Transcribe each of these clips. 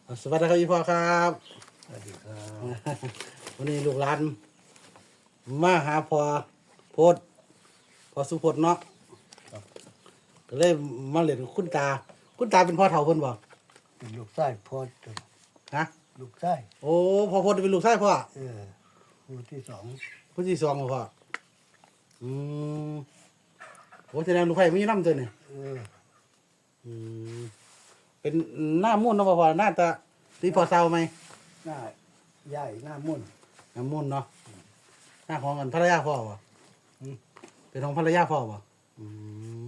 สวัสดีครับพี่พ่อครับสวัสดีครับวันนี้ลูกหลานมาหาพ่อโพดพ่อสุพจน์เนาะก็เลยมาเล่นกับคุณตาเป็นพ่อเฒ่าเพิ่นบ่เป็นลูกไส้พ่อจนฮะลูกไส้โอ้พ่อโพดเป็นลูกชายพ่อผู้ที่สองผู้ที่สองบ่พ่ออืมโอ้แสดงลูกไผ่มีน้ำตัวนี่อืมเป็นหน้ามุ่นเนาะพ่อหน้าตาตีพ่อเศร้าไหมหน้าใหญ่หน้ามุ่นหน้ามุ่นเนาะหน้าของกันภรรยาพ่อบ่อืมเป็นของภรรยาพ่อบ่อืม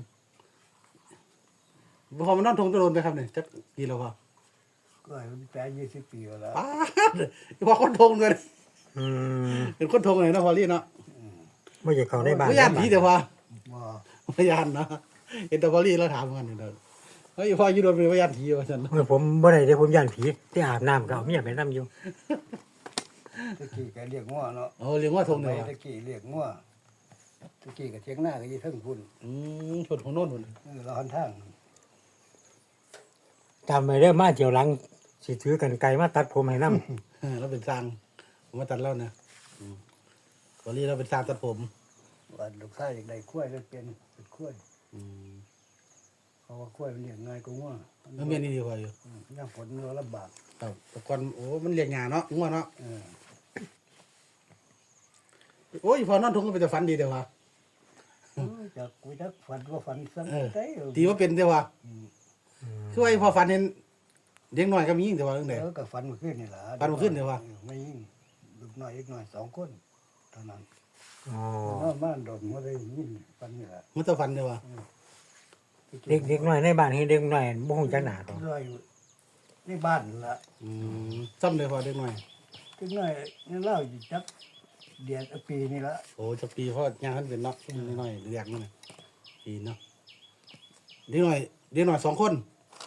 พอมันนอนทงตะโดนไปครับเนี่ยจักกี่แล้วพ่อก็มันแปด20 ปีแล้วป้าดพ่อคนทงเลยอืมเป็นคนทงเลยนะพอลี่เนาะไม่อยากเข้าในบ้านไม่ยานผีเดี๋ยวพ่อบ่ไม่ยานเนาะเห็นแต่พอลี่เราถามกันเด้อเฮ้ยพ่ออยืนโดนเป็นไม่ยานผีว่าฉันเมื่อผมบ่ได้เด้ผมย่านผีที่อาบน้ำก็เอาเมียไปนํอยู่ตะกี้ก็เรียกง้อเนาะโอ้เลี้ยงว่าทงเลยตะกี้เรียกง้อตะกี้ก็เถียงหน้าก็อยู่เทิงพุ่นชนของโน่นหมดเราหันทางจำไว้เด้อมาเที่ยวหลังสิถือกันไกลมาตัดผมให้นํเราเป็นซางผมมาตัดแล้วนะพอลี่เราเป็นซางตัดผมว่าลูกไส้อยากได้กล้วยก็เป็นกล้วยเพราะว่ากล้วยมันเลี้ยงง่ายกว่าง้อแล้วเมียนี่ดีกว่าอยู่ย่างฝนเราลำบากครับแต่ก่อนโอ้มันเลี้ยงหญ้าเนาะงัวเนาะเออโอ้ยพอนอนทงก็เป็นแต่ฝันดีเดี๋ยวว่ะจากกูจักฝันว่าฝันซ้ำเออได้ตีว่าเป็นเดี๋ยวว่ะคือว่าไอ้พอฝันเห็นเด็กน้อยก็มียิ่งแต่ว่าเรื่องไหนแล้วก็ฝันเมื่อคืนนี่ล่ะฝันเมื่อคืนนี่วะไม่ยิ่งลูกน้อยอีกน้อย2 คนเท่านั้นอ๋อบ้านโดนมาได้ยินฝันนี่ล่ะมันจะฝันเดี๋ยวว่ะเด็กน้อยในบ้านเฮ็ดเด็กน้อยบ่ฮู้จักหน้าตัวร้อยในบ้านล่ะซ้ำเลยพอเด็กน้อยอีกน้อยนี่เล่าอยู่จักเดือนปีนี่ละโอ้จะปีเพราะย่างท่านเป็นเนาะเด็กน้อยเรียกมันน่ะปีเนาะเด็กน้อย2 คน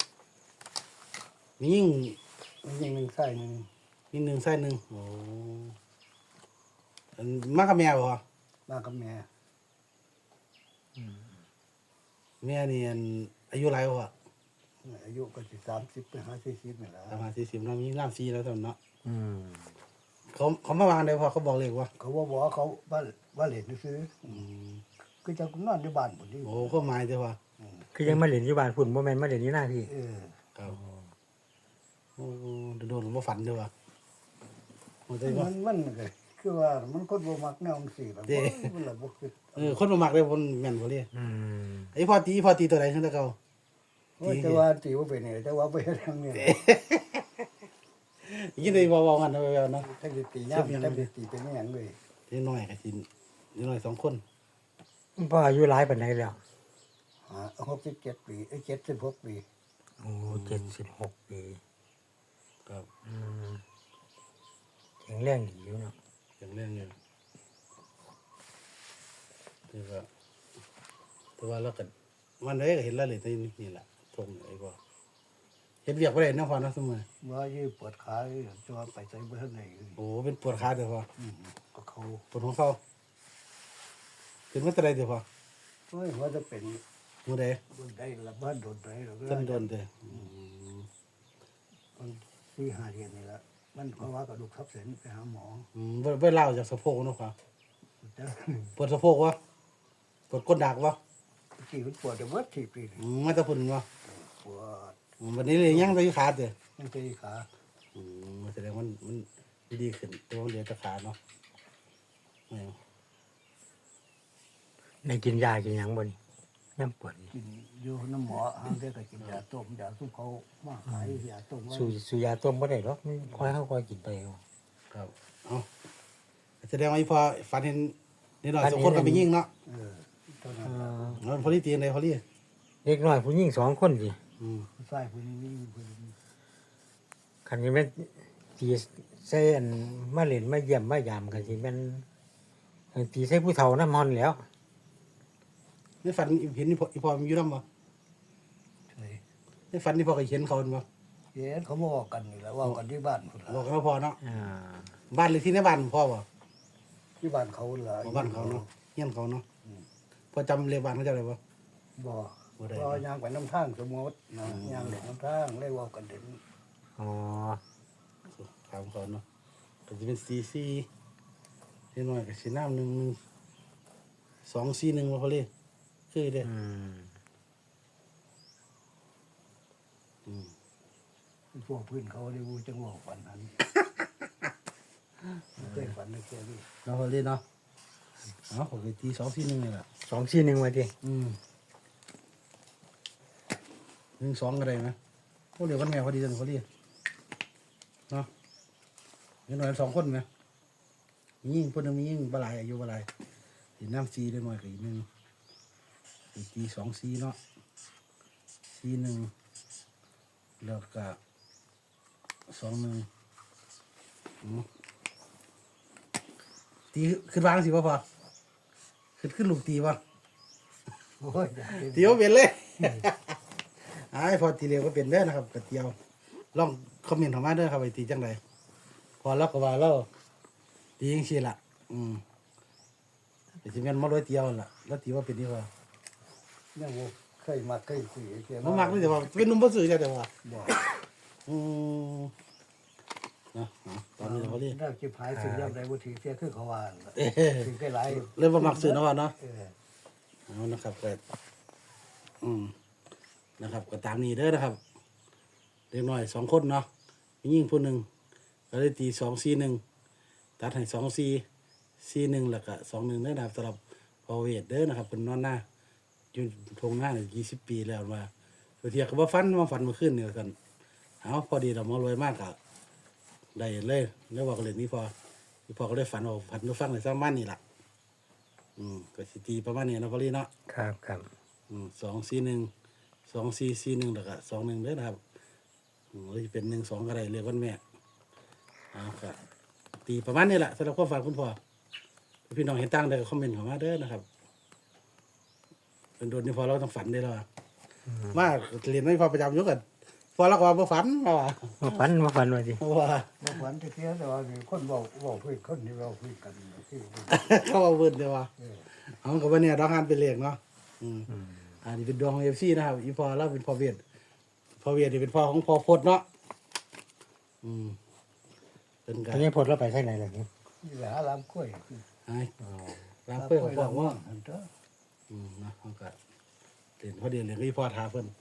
มียิ่งมันยังหนึ่งไส้หนึ่งมีหนึ่งไส้หนึ่งโอ้อันมากกับแม่บ่มากับแม่แม่นี่อันอายุไรบ่อายุก็สิ30ไป50นี่ล่ะประมาณ40เนาะมีน้ำซีแล้วตอนเนาะอืมเขามาวางได้พอเขาบอกเลยว่าเขาว่าบอกเขาว่าเล่นซื้อคือจะนอนในบ้านพุ่นนี่โอ้เขาหมายเด้อว่าคือยังมาเล่นอยู่บ้านพุ่นบ่แม่นมาเล่นอยู่หน้าพี่ครับโอ้โดนบ่ฝันเด้อว่าโอ้ได้บ่มันก็คือว่ามันคนบ่มักแนวจังซี่ล่ะมันละบ่คือคนบ่มักเลยคนแม่นบ่เลยอืมไอ้พอตีตัวใดจังได๋เก่าแต่ว่าตีว่าเป็นนี่แต่ว่าไปทางนี้ยินได้บ่ๆกันนะแววๆเนาะทั้งตีย่ามทั้งตีเป็นหยังเลยเด็กน้อยก็สิเด็กน้อย2 คนพ่ออายุหลายปานใดแล้ว 67 ปี76 ปีโอ้76 ปีครับอืมแข็งแรงดีอยู่เนาะอย่างเรื่องอยู่แต่ว่าเราก็มันได้ก็เห็นแล้วเลยแต่นี่แหละทงไอ้บ่เฮ็ดเวียกบ่ได้เนาะพอเนาะซุมื้อว่ายืปวดขาจนไปใส่บ่ทันได้โอ้เป็นปวดขาเด้อพอก็เขาปวดของเขาเป็นมาแต่ใดเด้อพอโอ้ยว่าจะเป็นมื้อใดบนได้ละบ้านโดนได้แล้วก็จนโดนเด้อมัน4-5เดือนนี่ละมันเพราะว่ากระดูกทับเส้นไปหาหมอบ่เล่าจากสะโพกเนาะครับแต่ปวดสะโพกวะปวดก้นดักวะที่มันปวดแต่ว่าที่ปีนี่มาแตะพุ่นวะปวดวันนี้เลยยังได้ขาเด้อยังตีขาแสดงมันดีขึ้นแต่ว่าเหลือแต่ขาเนาะแม่นได้กินยากินหยังบ่นี่ยามปวดนี่กินอยู่น้ำหมอห้างเด็กก็กินยาต้มยาซุปเขามาขายยาต้มว่าสู้ยาต้มบ่ได้หรอกค่อยเฮาค่อยกินไปเอาครับเอาแสดงว่าอีพอฝันเห็นนิดหน่อย2 คนก็ไปยิงเนาะเท่านั้นแล้วพอลี่ตีอะไรพอลี่เด็กน้อยผู้หญิง2 คนสิผู้ชายผู้นี้ผู้นี้คันนี้แม่นตีใส่อันมาเล่นมาเยี่ยมมายามก็สิแม่นตีใส่ผู้เฒ่านำฮอนแหล้วในฝันเห็นอีพอมีอยู่นำบ่ใช่ในฝันที่พอก็เห็นเขาบ่เห็นเขาบอกกันนี่แหละว่ากันที่บ้านพุ่นบอกล่ะเขาพอเนาะอ่าบ้านเลยที่ในบ้านพ่อบ่ที่บ้านเขาล่ะบ้านเขาเนาะเฮียนเขาเนาะพอจำเลขบ้านเขาจำได้บ่บ่บ่ได้บ่ย่างไปน้ำทางสมมตินะย่างเด็กน้ำทางเลยว่ากันถึงอ๋อถามเขาเนาะก็จะเป็นซีซีนิดหน่อยก็สีน้ำ1 2 4 1ว่าเขาเรียกคือเด้พวกพื้นเขาได้วูจังหวะฝันนั้นเคยฝันในแค่นี้เราเขาเรียกเนาะผมไปตี2 4 1เลยล่ะ 241ว่าติ 1 2ก็ได้ไหมพวกเดียวกันแม่พอดีจังเขาเรียกเนาะนิดหน่อย2 คนไหมมียิ่งคนหนึงมียิ่งบลายอายุบลายสีน้ำซีได้หน่อยกับอีก1ตี2 4เนาะ4 1แล้วก็2 1ตีขึ้นวางสิพ่อขึ้นลูกตีวะโอ้ยอยากเป็นตีว่าเป็นเลยไอ้พอตีเร็วก็เป็นเด้อนะครับกระเตียวลองคอมเมนต์เข้ามาเด้อครับไปตีจังไดพอเราก็ว่าเราตีจังซี่ล่ะแต่สิแม่นมาร้อยเตียวนั่นล่ะแล้วตีว่าเป็นนี่พอยังบ่เคยมาเคยคุยแค่บ่มักเลยแต่ว่าเป็นหนุ่มบ่ซื่อจ้ะแต่ว่าบอกอืมนะตอนนี้เราก็เรียกได้จิบหายสิ่งยังใดบ่ถือเสียคือเขาว่าล่ะเอ้ถือแค่หลายเริ่มบ่มักซื้อเนาะว่าเนาะ เอานะครับก็นะครับก็ตามนี้เด้อนะครับเด็กน้อย2 คนเนาะมียิ่งผู้หนึ่งก็เลยตี2 4 1ตัดให้2 4 4 1แล้วก็2 1เด้อนะครับสำหรับพอเวทเด้อนะครับเป็นนอนหน้าอยู่ทงหน้าเนี่ย20 ปีแล้วมาตัวเทียก็บ่ฟันมาฝันเมื่อคืนนี่กันเอาพอดีเรามารวยมากก็ได้เลยแล้วว่าก็เลยนี่พอก็ได้ฝันว่าฝันฟังในซ้ำบ้านนี่ล่ะก็สิตีประมาณนี้เนาะพอดีเนาะครับ 2 4 1 2 4 4 1แล้วก็2 1เด้อนะครับหรือจะเป็น1 2ก็ได้เรียกวันแม่ก็ตีประมาณนี้แหละสำหรับความฝันคุณพ่อพี่น้องเห็นตั้งได้ก็คอมเมนต์เข้ามาเด้อนะครับเป็นโดนนี่พอเราต้องฝันได้แล้วมากเรียนไม่พอประจำอยู่กันพอเราก็ว่าบ่ฝันเราว่าบ่ฝันว่าติว่าบ่ฝันจะเสียแต่ว่ามีคนบอกคุยคนที่เราคุยกันที่เขาว่าเบิ่นเด้อว่าเออเอาก็ว่าเนี่ยดอกงานเป็นเลขเนาะอันนี้เป็นดวงของ FC นะครับอีพอเราเป็นพ่อเวียดนี่เป็นพ่อของพ่อพดเนาะเป็นกัอันนี้พดเราไปไสไหนล่ะนี่นี่แหละลำกล้วยไอ้ร้านเพื่อนของพ่อว่าอันเด้อนะเขาก็เรียนพอดีเรียนก็อีพ่อทาเพิ่น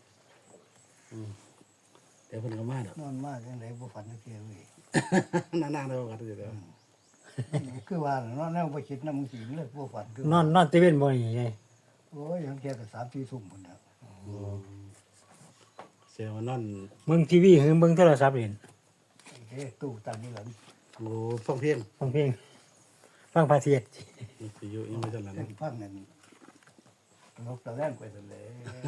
เดี๋ยวเพิ่นก็มาดอกนอนมากจังไดบ่ฝันจักเที่ยเว้ยนานๆแล้วก็เดี๋ยวคือว่าเนาะแนวบ่คิดนำมึงสิเลยบ่ฝันคือนอนตะเวนบ่นี่ไงโอ้ยยังแค่ก็3-4 ทุ่มพุ่นน่ะเสียว่านอนเบิ่งทีวีหรือเบิ่งโทรศัพท์เล่นเฮ้ตู้ตั้งนี่หลังโอ้ฟังเพลงฟังเพลงฟังพระเทศน์สิอยู่ยังไม่ทันหลังเล่นฟังนั่นนกตะแล่นไปซั่นแหละ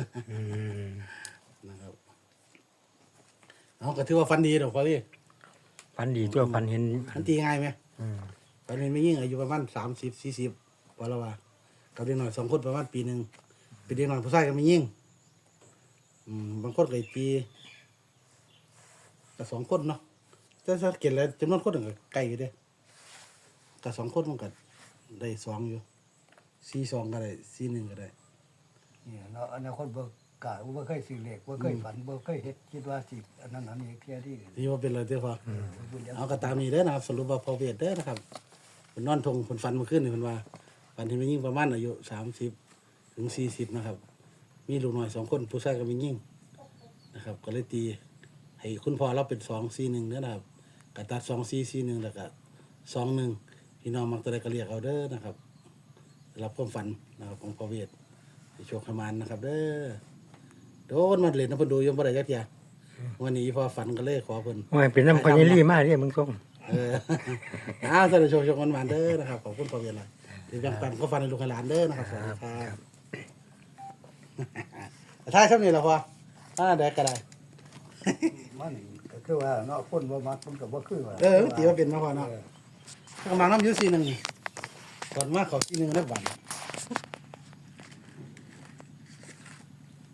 นะครับเอาก็ถือว่าฟันดีดอกพอดีฝันดีตัวฝันเห็นมันตีง่ายไหมอืมตอนนี้ไม่ยิ่งอายุประมาณ30-40ว่าแล้วว่ากับเด็กน้อย2 คนประมาณปีหนึงเป็นเด็กน้อยผู้ชายก็ไม่ยิ่งบางคนก็อีกปีก็2 คนเนาะแต่ถ้าเกิดแล้วจำนวนคนก็ใกล้อยู่เด้ก็2 คนมันก็ได้2อยู่42ก็ได้41ก็ได้นี่เนาะอนาคตบ่กล้าบ่เคยซื้อเลขบ่เคยฝันบ่เคยเฮ็ดคิดว่าสิอันนั้นอันนี้เที่ยที่ที่ว่าเป็นอะไรเด้อพอบุญยังเอาก็ตามนี้เด้อนะครับสรุปว่าพอเวทเด้อนะครับเพิ่นนอนทงเพิ่นฝันเมื่อคืนนี่เพิ่นว่าฝันที่มียิ่งประมาณอายุ30 ถึง 40นะครับมีลูกน้อย2 คนผู้ชายก็มียิ่งนะครับก็เลยตีให้คุณพ่อเราเป็น2 4 1เด้อนะครับก็ตัด2 4 4 1แล้วก็2 1พี่น้องมักตัวใดก็เรียกเอาเด้อนะครับสำหรับความฝันนะครับของพอเวทให้โชคให้มานนะครับเด้อโดนมาเล่นน้ำเพิ่นดูยังบ่ได้จักเที่ยวันนี้พอฝันก็เลยขอเพิ่นโอ้ยเป็นน้ำพญาลีมาเด้มึงส่งสวัสดีชมมันๆเด้อนะครับขอบคุณพ่อเวียนเลยที่แบ่งปันก็ฟันในลูกให้หลานเด้อนะครับสวัสดีครับถ้าช่วงนี้เหรอพ่อได้ก็ได้มันก็คือว่าเนาะคนบ่มักมันก็บ่คือว่าตีว่าเป็นมาพ่อเนาะกำลังน้ำยูซีหนึ่งก่อนมาขอซีหนึ่งได้บัตร